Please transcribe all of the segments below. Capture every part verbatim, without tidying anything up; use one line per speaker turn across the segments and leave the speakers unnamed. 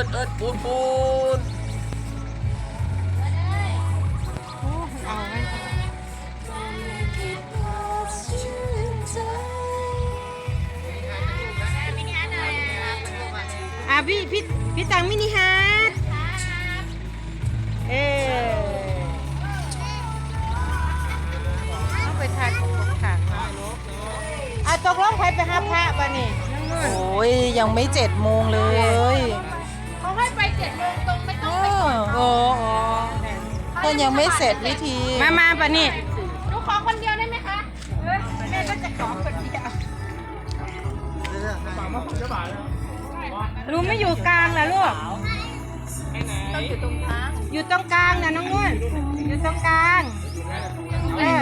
เอิดปูนปูน
เอาไว้อ่ะพี่พี่พี่ตังมินิฮาร์ดเออต้องไปทานของขังอ่ะตกลงใครไปหาพระป่ะนี่น้องนุ่น
โอ้ยยังไม่เจ็ดโมงเลย
เขาให้ไปเจ็ดโมงตรงไม่ต้องไปก่อน
โอ้โอ้แต่ยังไม่เสร็จวิธี
มามาป่ะนี่หนูขอคนเดียวได้ไหมคะเออแม่ก็จะขอคนเดียวลุงไม่อยู่กลางเหรอลูกต้องอยู่ตรงกลางอยู่ตรงกลางนะน้องนุ่นอยู่ตรงกลางเออ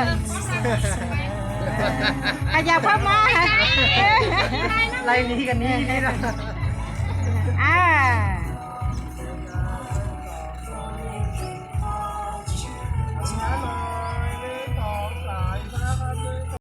ขยับเข้ามา
ไล่นี้กันนี้นี่นะ
อ่า